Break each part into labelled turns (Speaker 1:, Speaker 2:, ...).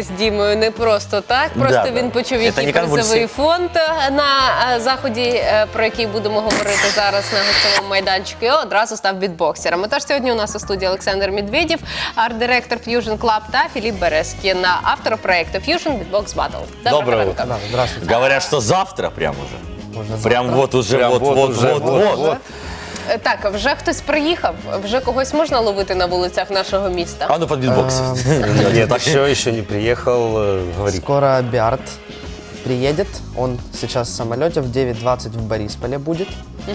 Speaker 1: з Дімою не просто так. Просто
Speaker 2: Да,
Speaker 1: він
Speaker 2: да.
Speaker 1: почув,
Speaker 2: Це
Speaker 1: який
Speaker 2: не
Speaker 1: призовий
Speaker 2: конвульсії.
Speaker 1: фонд на заході, про який будемо говорити зараз на гостьовому майданчику, і одразу став бітбоксером. Тож сьогодні у нас у студії Олександр Медведєв, арт-директор Fusion Club, та Філіп Березкін, автор проекту Fusion Beatbox Battle.
Speaker 2: Доброе
Speaker 1: ранку.
Speaker 2: утро.
Speaker 3: Да, здравствуйте.
Speaker 2: Говорят, что завтра прям уже.
Speaker 3: Можно
Speaker 2: Прям
Speaker 3: завтра.
Speaker 2: вот уже,
Speaker 3: Прям
Speaker 2: вот.
Speaker 1: Так, вже хтось приїхав? Вже когось можна ловити на вулицях нашого міста?
Speaker 2: А ну под битбокс.
Speaker 4: Нет, еще не приехал, говорит.
Speaker 3: Скоро Биард приедет. Он сейчас в самолете в 9:20 в Борисполе будет.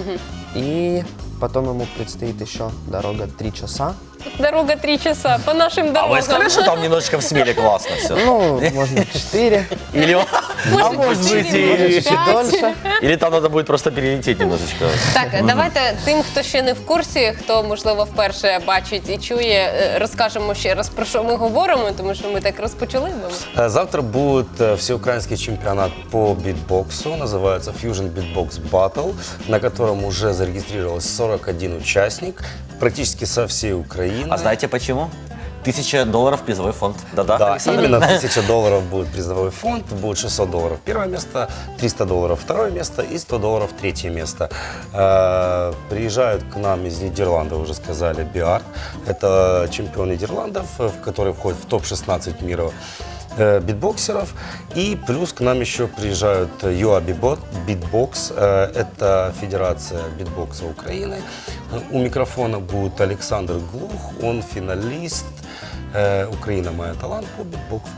Speaker 3: И потом ему предстоит еще дорога 3 часа.
Speaker 1: Дорога 3 часа по нашим
Speaker 2: А
Speaker 1: дорогам.
Speaker 2: вы сказали, что там немножечко в Смеле классно все?
Speaker 3: Ну, можно 4.
Speaker 2: Или,
Speaker 1: Може,
Speaker 2: может быть,
Speaker 1: чотири, може,
Speaker 3: чуть
Speaker 1: п'ять.
Speaker 3: дольше.
Speaker 2: или там надо будет просто перелететь немножечко.
Speaker 1: Так, давайте тим, хто ще не в курсі, хто, можливо, вперше бачить і чує, розкажемо ще раз, про що ми говоримо, тому що ми так розпочали.
Speaker 4: Завтра будет всеукраинский чемпионат по битбоксу, называется Fusion Beatbox Battle, на котором уже зарегистрировалось 41 участник, практически со всей Украины.
Speaker 2: А знаете почему? $1000 призовой фонд. Да-да,
Speaker 4: Да,
Speaker 2: Александр?
Speaker 4: именно $1000 будет призовой фонд, будет $600 первое место, $300 второе место и $100 третье место. Приезжают к нам из Нидерландов, уже сказали, Биард. Это чемпион Нидерландов, который входит в топ-16 мира битбоксеров. И плюс к нам еще приезжают UA Beatbox, это Федерация битбокса Украины. У микрофона будет Александр Глух, он финалист. Украина моя талант по битбоксу.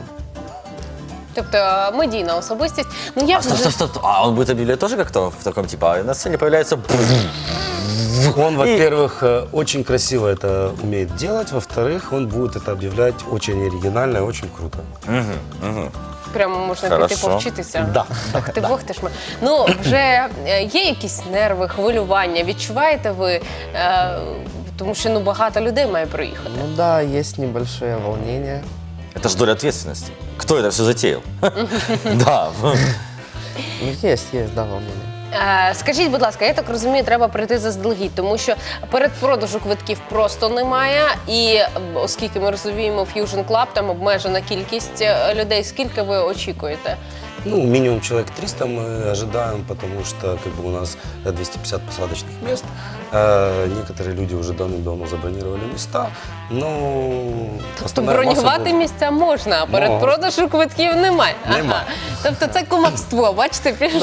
Speaker 1: Тобто медійна особистість. Ну, я
Speaker 2: Стоп. А он будет объявлять тоже как-то в таком типа, а на сцене появляется...
Speaker 4: Он, во-первых, очень красиво это умеет делать, во-вторых, он будет это объявлять очень оригинально и очень круто.
Speaker 1: прямо можна
Speaker 2: Хорошо.
Speaker 1: піти повчитися.
Speaker 4: Да.
Speaker 1: Так, ти Бог, ти ж ми. Ну, вже є якісь нерви, хвилювання, відчуваєте ви? Тому що ну, багато людей має приїхати.
Speaker 3: Ну да, есть небольшое волнение.
Speaker 2: Это же доля ответственности. Кто это все затеял? Да.
Speaker 3: Ну, есть, да, волнение.
Speaker 1: Скажіть, будь ласка, я так розумію, треба прийти заздалегідь, тому що передпродажу квитків просто немає, і оскільки ми розуміємо, Fusion Club, там обмежена кількість людей. Скільки ви очікуєте?
Speaker 4: Ну, минимум человек 300 мы ожидаем, потому что как бы у нас 250 посадочных мест. Некоторые люди уже давным-давно забронировали места, но...
Speaker 1: Тобто бронювати місця можна, а передпродажу квитків немає.
Speaker 4: Нема.
Speaker 1: Тобто це кумовство, бачите, пішло.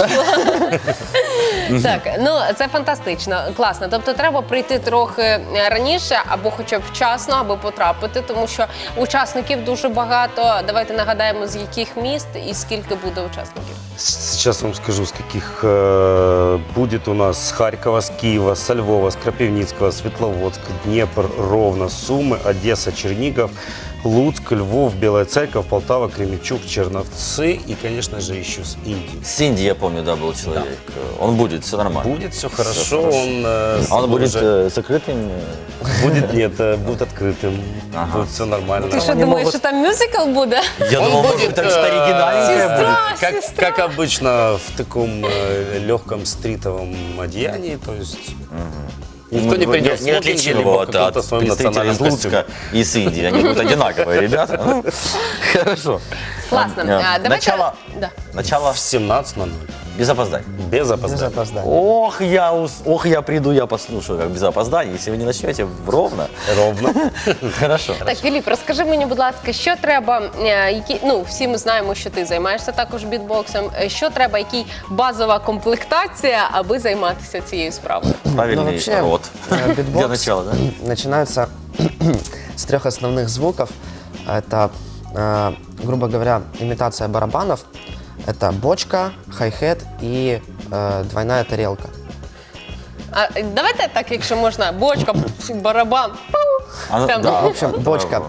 Speaker 1: Так, ну це фантастично, класно. Тобто треба прийти трохи раніше або хоча б вчасно, аби потрапити, тому що учасників дуже багато. Давайте нагадаємо, з яких міст і скільки буде учасників.
Speaker 4: Сейчас вам скажу, с каких будет у нас с Харькова, с Киева, со Львова, с Крапивницкого, Светловодск, Днепр, Ровно, Сумы, Одесса, Чернигов, Луцк, Львов, Белая Церковь, Полтава, Кременчуг, Черновцы и, конечно же, еще с Индии.
Speaker 2: С Индии, я помню, да, был человек. Он будет, все нормально.
Speaker 4: Будет все хорошо,
Speaker 2: хорошо.
Speaker 4: он,
Speaker 2: А он будет
Speaker 4: уже-
Speaker 2: закрытым?
Speaker 4: будет, нет, будет открытым,
Speaker 2: Ага.
Speaker 4: будет все нормально.
Speaker 1: Ти що
Speaker 2: вони
Speaker 1: думаєш,
Speaker 2: можуть-
Speaker 1: що там мюзикл буде?
Speaker 2: Я думал, может, так что оригинальнее
Speaker 1: Сестра.
Speaker 2: будет.
Speaker 4: Как обычно в таком легком стритовом одеянии, то есть никто не придет в
Speaker 2: Не
Speaker 4: смокинге,
Speaker 2: отличим
Speaker 4: либо
Speaker 2: его
Speaker 4: в
Speaker 2: от
Speaker 4: каком-то своем
Speaker 2: представителей из
Speaker 4: национальном
Speaker 2: Луцка
Speaker 4: костюме.
Speaker 2: и с Индии. Они будут одинаковые ребята. Хорошо.
Speaker 1: Класно. Давайте...
Speaker 2: Начало,
Speaker 1: Да.
Speaker 2: начало
Speaker 4: В 17:00,
Speaker 2: без опозданий.
Speaker 4: без
Speaker 3: Без
Speaker 4: опоздания.
Speaker 3: опоздания.
Speaker 2: Ох, я приду, я послушаю, как без опозданий. Если вы не начнете ровно.
Speaker 4: Ровно.
Speaker 2: Хорошо.
Speaker 1: Так, Філіп, розкажи мені, будь ласка, що треба, ну, всі ми знаємо, що ти займаєшся також бітбоксом, що треба, який базова комплектація, аби займатися цією справою?
Speaker 2: Правильный
Speaker 3: Ну, вообще,
Speaker 2: рот. Для
Speaker 3: битбокс
Speaker 2: начала, да?
Speaker 3: начинается с 3 основных звуков. Это, грубо говоря, имитация барабанов. Это бочка, хай-хет и двойная тарелка.
Speaker 1: А давайте так, якщо можна, бочка, барабан.
Speaker 2: А,
Speaker 1: Прям.
Speaker 2: да.
Speaker 3: В общем, бочка.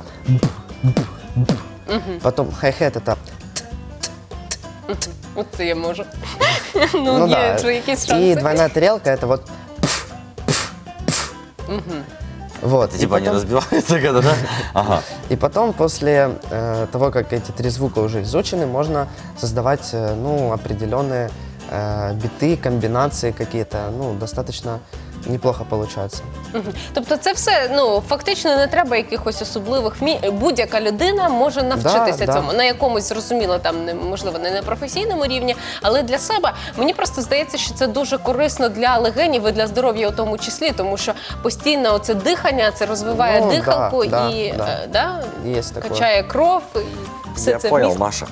Speaker 3: Потом хай-хет это...
Speaker 1: От це я можу.
Speaker 3: Ну
Speaker 1: Є
Speaker 3: да.
Speaker 1: вже якісь
Speaker 3: И
Speaker 1: шанси.
Speaker 3: двойная тарелка это вот... Вот.
Speaker 2: Типа они разбиваются когда, да? Ага.
Speaker 3: И потом, после того, как эти 3 звука уже изучены, можно создавать ну, определенные биты, комбинации какие-то, ну, достаточно неплохо получается.
Speaker 1: Тобто це все, ну, фактично не треба якихось особливих будь-яка людина може навчитися
Speaker 3: Да.
Speaker 1: цьому на якомусь, зрозуміло, там можливо не на професійному рівні, але для себе мені просто здається, що це дуже корисно для легенів і для здоров'я у тому числі, тому що постійно оце дихання, це розвиває
Speaker 3: Ну,
Speaker 1: дихалку
Speaker 3: да,
Speaker 1: і
Speaker 3: да.
Speaker 1: да,
Speaker 3: Есть такое.
Speaker 1: качає кров. І все
Speaker 2: Я
Speaker 1: це
Speaker 2: понял,
Speaker 1: вміст.
Speaker 2: Маша.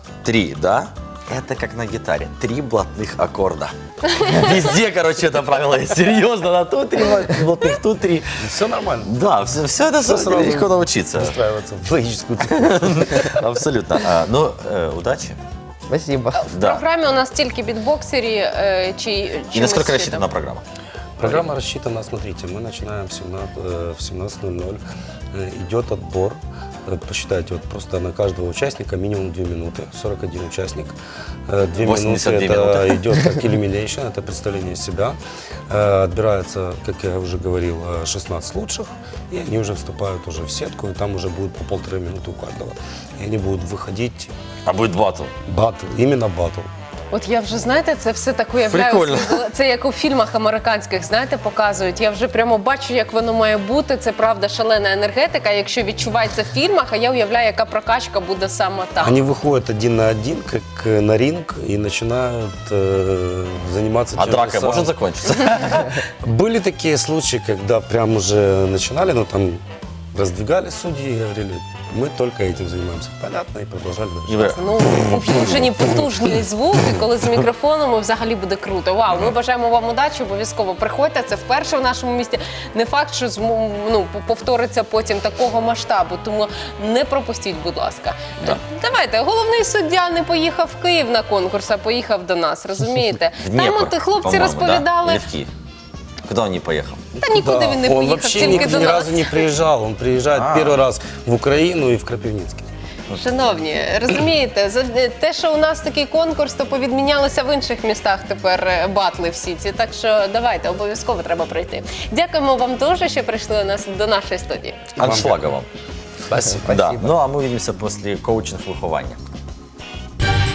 Speaker 2: 3, да? Это как на гитаре. 3 блатных аккорда. Везде, короче, это правило есть. Серьезно, на тут 3 блатных, тут 3.
Speaker 4: Все нормально.
Speaker 2: Да, все это
Speaker 4: сразу
Speaker 2: легко научиться.
Speaker 4: Выстраиваться в логическую цепочку.
Speaker 2: Абсолютно. Ну, удачи.
Speaker 3: Спасибо.
Speaker 1: В
Speaker 2: Да.
Speaker 1: програмі у нас тільки бітбоксері чи
Speaker 2: И
Speaker 1: чимось
Speaker 2: насколько
Speaker 1: ще
Speaker 2: рассчитана
Speaker 1: там?
Speaker 2: программа?
Speaker 4: Программа рассчитана, смотрите, мы начинаем в 17:00, идет отбор. Посчитайте, вот просто на каждого участника минимум 2 минуты, 41 участник. 2 минуты
Speaker 2: 82
Speaker 4: это
Speaker 2: минуты.
Speaker 4: идет как elimination, это представление себя. Отбирается, как я уже говорил, 16 лучших, и они уже вступают уже в сетку, и там уже будет по 1,5 минуты у каждого. И они будут выходить
Speaker 2: А будет батл.
Speaker 4: батл, именно батл.
Speaker 1: От я вже, знаєте, це все так уявляю.
Speaker 2: Прикольно.
Speaker 1: Це як у фільмах американських, знаєте, показують. Я вже прямо бачу, як воно має бути. Це правда шалена енергетика, якщо відчувається в фільмах, а я уявляю, яка прокачка буде саме там.
Speaker 4: Они выходят 1 на 1, как на ринг, и начинают заниматься
Speaker 2: А
Speaker 4: чем-то
Speaker 2: драка
Speaker 4: самым.
Speaker 2: может закончиться?
Speaker 4: Были такие случаи, когда прям уже начинали, но там раздвигали судьи и говорили, мы только этим занимаемся. Понятно, и продолжали дальше.
Speaker 2: Ігоре,
Speaker 1: Ну, включені потужні звуки, коли з мікрофоном взагалі буде круто. Вау, ми бажаємо вам удачі, обов'язково приходьте. Це вперше в нашому місті. Не факт, що повториться потім такого масштабу, тому не пропустіть, будь ласка.
Speaker 2: Да.
Speaker 1: Давайте, головний суддя не поїхав в Київ на конкурс, а поїхав до нас, розумієте?
Speaker 2: в
Speaker 1: Там
Speaker 2: Днепр,
Speaker 1: от хлопці
Speaker 2: по-моему,
Speaker 1: розповідали.
Speaker 2: Да? Или в Киев? Куда он не поехал?
Speaker 1: Та нікуди
Speaker 4: Да,
Speaker 1: він не
Speaker 4: он
Speaker 1: поїхав,
Speaker 4: вообще
Speaker 1: тільки до
Speaker 4: ни
Speaker 1: нас.
Speaker 4: разу не приезжал. Он приезжает первый раз в Украину и в Крапивницкий.
Speaker 1: Шановні, розумієте, за те, що у нас такий конкурс, то повідмінялися в інших містах тепер батли всі ці. Так що давайте, обов'язково треба прийти. Дякуємо вам дуже, що прийшли до нашої студії.
Speaker 2: Аншлаговым.
Speaker 4: Спасибо.
Speaker 2: Да. Ну а мы увидимся после коучинг-выхования.